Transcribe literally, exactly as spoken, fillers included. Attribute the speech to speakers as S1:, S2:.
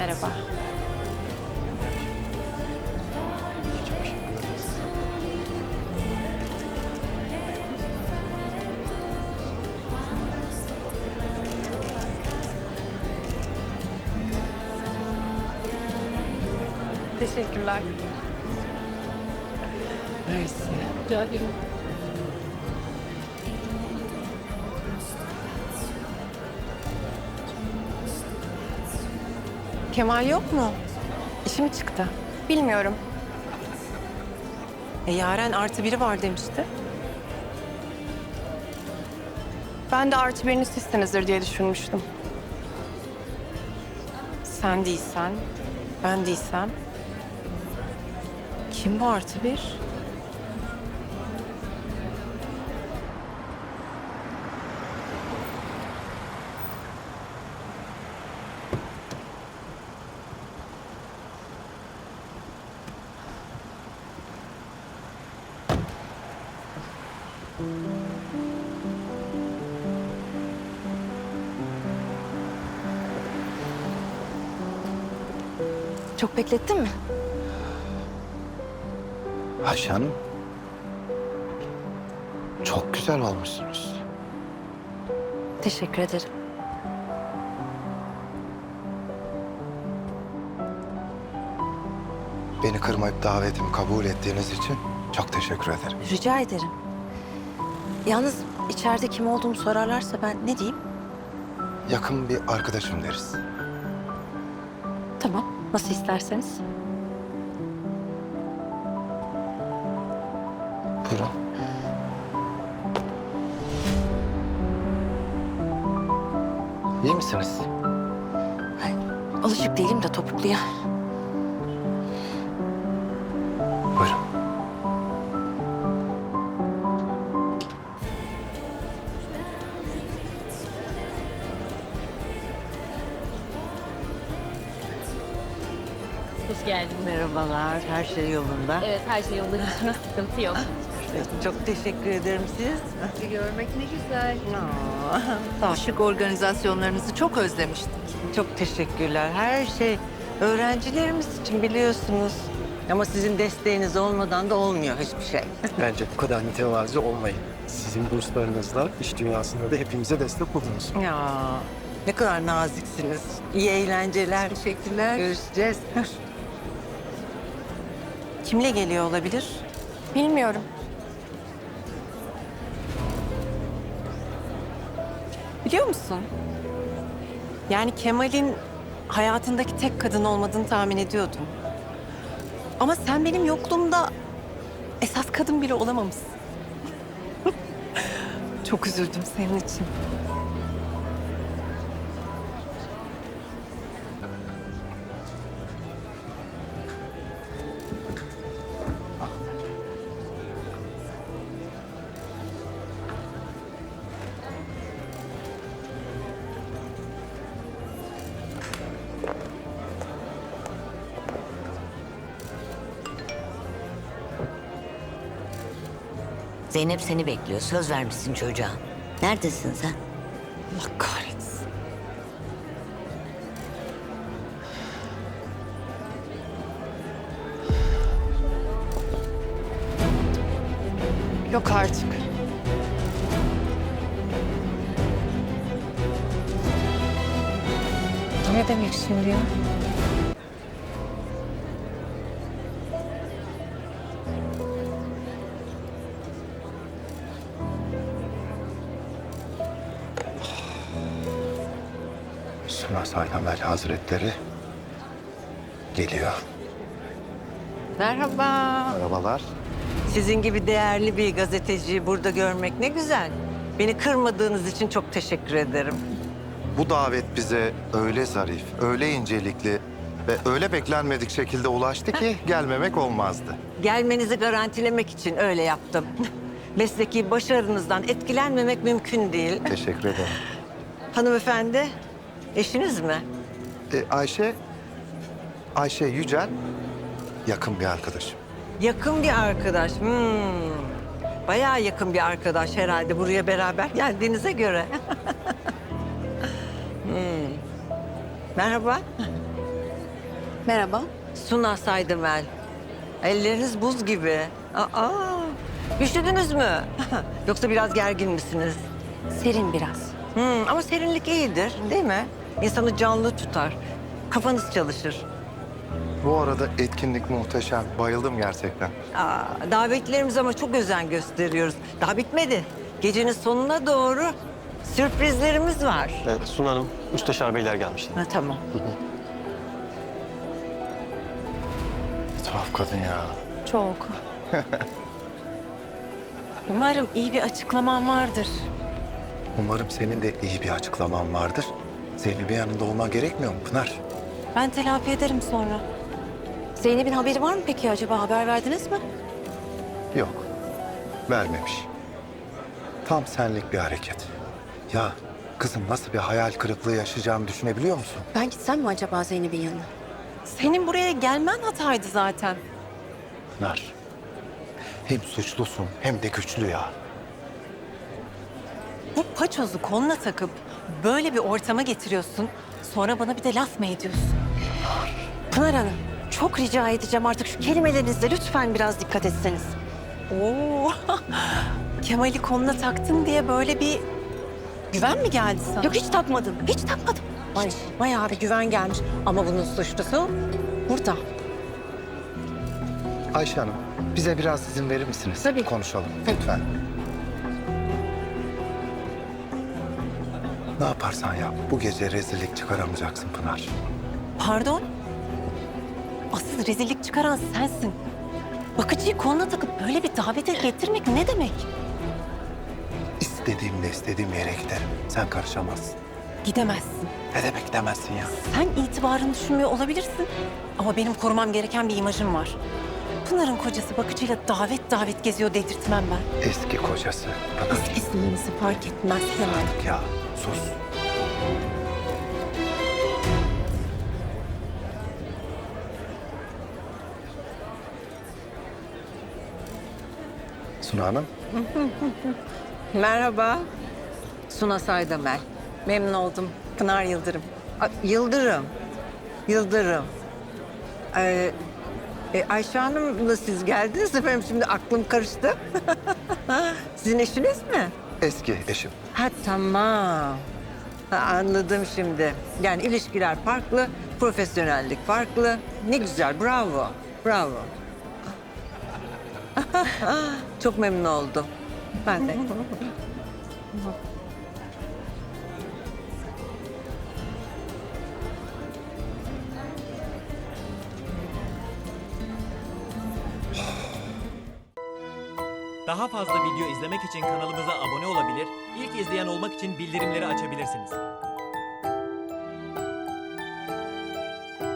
S1: Merhaba. Teşekkürler.
S2: Mersi.
S1: Rica ederim. Kemal yok mu? İşi mi çıktı?
S3: Bilmiyorum.
S1: E, Yaren artı biri var demişti.
S3: Ben de artı birini sizsinizdir diye düşünmüştüm.
S1: Sen değilsen, ben değilsem. Kim bu artı bir?
S3: Çok beklettin mi?
S4: Ayşe Hanım. Çok güzel olmuşsunuz.
S3: Teşekkür ederim.
S4: Beni kırmayıp davetimi kabul ettiğiniz için çok teşekkür ederim.
S3: Rica ederim. Yalnız içeride kim olduğumu sorarlarsa ben ne diyeyim?
S4: Yakın bir arkadaşım deriz.
S3: Tamam, nasıl isterseniz.
S4: Buyurun. İyi misiniz?
S3: Ay, alışık değilim de topukluya.
S4: Buyurun.
S1: Hoş geldin.
S2: Merhabalar, her şey yolunda.
S1: Evet, her şey yolunda. Hiçbir sıkıntı yok.
S2: Çok teşekkür ederim siz.
S1: Sizi görmek ne güzel.
S2: Aa, şık organizasyonlarınızı çok özlemiştik. Çok teşekkürler. Her şey öğrencilerimiz için biliyorsunuz. Ama sizin desteğiniz olmadan da olmuyor hiçbir şey.
S5: Bence bu kadar mütevazi olmayın. Sizin burslarınızla iş dünyasında da hepimize destek oldunuz.
S2: Ya ne kadar naziksiniz. İyi eğlenceler. Teşekkürler. Görüşeceğiz.
S1: Kimle geliyor olabilir?
S3: Bilmiyorum.
S1: Biliyor musun? Yani Kemal'in hayatındaki tek kadın olmadığını tahmin ediyordum. Ama sen benim yokluğumda esas kadın bile olamamışsın. Çok üzüldüm senin için.
S6: Zeynep seni bekliyor. Söz vermişsin çocuğa. Neredesin sen?
S1: Allah kahretsin.
S3: Yok artık.
S1: Ne demek şimdi ya?
S4: Suna Sayhamel Hazretleri geliyor.
S2: Merhaba.
S4: Merhabalar.
S2: Sizin gibi değerli bir gazeteciyi burada görmek ne güzel. Beni kırmadığınız için çok teşekkür ederim.
S4: Bu davet bize öyle zarif, öyle incelikli ve öyle beklenmedik şekilde ulaştı ki gelmemek olmazdı.
S2: Gelmenizi garantilemek için öyle yaptım. Mesleki başarınızdan etkilenmemek mümkün değil.
S4: Teşekkür ederim.
S2: Hanımefendi, eşiniz mi?
S4: E, Ayşe, Ayşe Yücel yakın bir arkadaşım.
S2: Yakın bir arkadaş. Hmm. Bayağı yakın bir arkadaş herhalde buraya beraber geldiğinize göre. hmm. Merhaba.
S3: Merhaba.
S2: Suna Saydımel. Elleriniz buz gibi. Aa, üşüdünüz mü? Yoksa biraz gergin misiniz?
S3: Serin biraz.
S2: Hmm, ama serinlik iyidir, değil mi? İnsanı canlı tutar. Kafanız çalışır.
S4: Bu arada etkinlik muhteşem. Bayıldım gerçekten.
S2: Aa, davetlilerimize ama çok özen gösteriyoruz. Daha bitmedi. Gecenin sonuna doğru sürprizlerimiz var.
S5: Evet, Suna Hanım, müsteşar beyler gelmişler.
S2: Ha, tamam.
S4: Tuhaf kadın ya.
S1: Çok. Umarım iyi bir açıklaman vardır.
S4: Umarım senin de iyi bir açıklaman vardır. Zeynep'in yanında olman gerekmiyor mu Pınar?
S1: Ben telafi ederim sonra.
S3: Zeynep'in haberi var mı peki acaba? Haber verdiniz mi?
S4: Yok. Vermemiş. Tam senlik bir hareket. Ya kızım nasıl bir hayal kırıklığı yaşayacağımı düşünebiliyor musun?
S3: Ben gitsem mi acaba Zeynep'in yanına?
S1: Senin buraya gelmen hataydı zaten.
S4: Pınar. Hem suçlusun hem de güçlü ya.
S1: Bu paçozu koluna takıp böyle bir ortama getiriyorsun. Sonra bana bir de laf mı ediyorsun?
S3: Pınar Hanım, çok rica edeceğim artık şu kelimelerinizle lütfen biraz dikkat etseniz.
S1: Oo. Kemal'i koluna taktın diye böyle bir güven mi geldi sana?
S3: Yok hiç takmadım, hiç takmadım.
S1: Ay, bayağı bir güven gelmiş. Ama bunun suçlusu burada.
S4: Ayşe Hanım, bize biraz izin verir misiniz?
S3: Tabii.
S4: Konuşalım lütfen. Ne yaparsan yap, bu gece rezillik çıkaramayacaksın Pınar.
S1: Pardon? Asıl rezillik çıkaran sensin. Bakıcıyı koluna takıp böyle bir davete getirmek ne demek?
S4: İstediğimde istediğim yere giderim. Sen karışamazsın.
S1: Gidemezsin.
S4: Ne demek demezsin ya?
S1: Sen itibarını düşünmüyor olabilirsin. Ama benim korumam gereken bir imajım var. Pınar'ın kocası bakıcıyla davet davet geziyor dedirtmem ben.
S4: Eski kocası. Pınar.
S1: Eskisi yenisi fark etmez Kemal.
S4: Ya sus. Suna Hanım.
S2: Merhaba. Suna Saydımel.
S1: Memnun oldum. Pınar Yıldırım.
S2: Aa, Yıldırım. Yıldırım. Ee, e, Ayşe Hanım'la siz geldiniz efendim. Şimdi aklım karıştı. Sizin eşiniz mi?
S4: Eski eşim.
S2: Ha tamam. Ha, anladım şimdi. Yani ilişkiler farklı, profesyonellik farklı. Ne güzel, bravo. Bravo. Çok memnun oldum. Ben de.
S7: Daha fazla video izlemek için kanalımıza abone olabilir, ilk izleyen olmak için bildirimleri açabilirsiniz.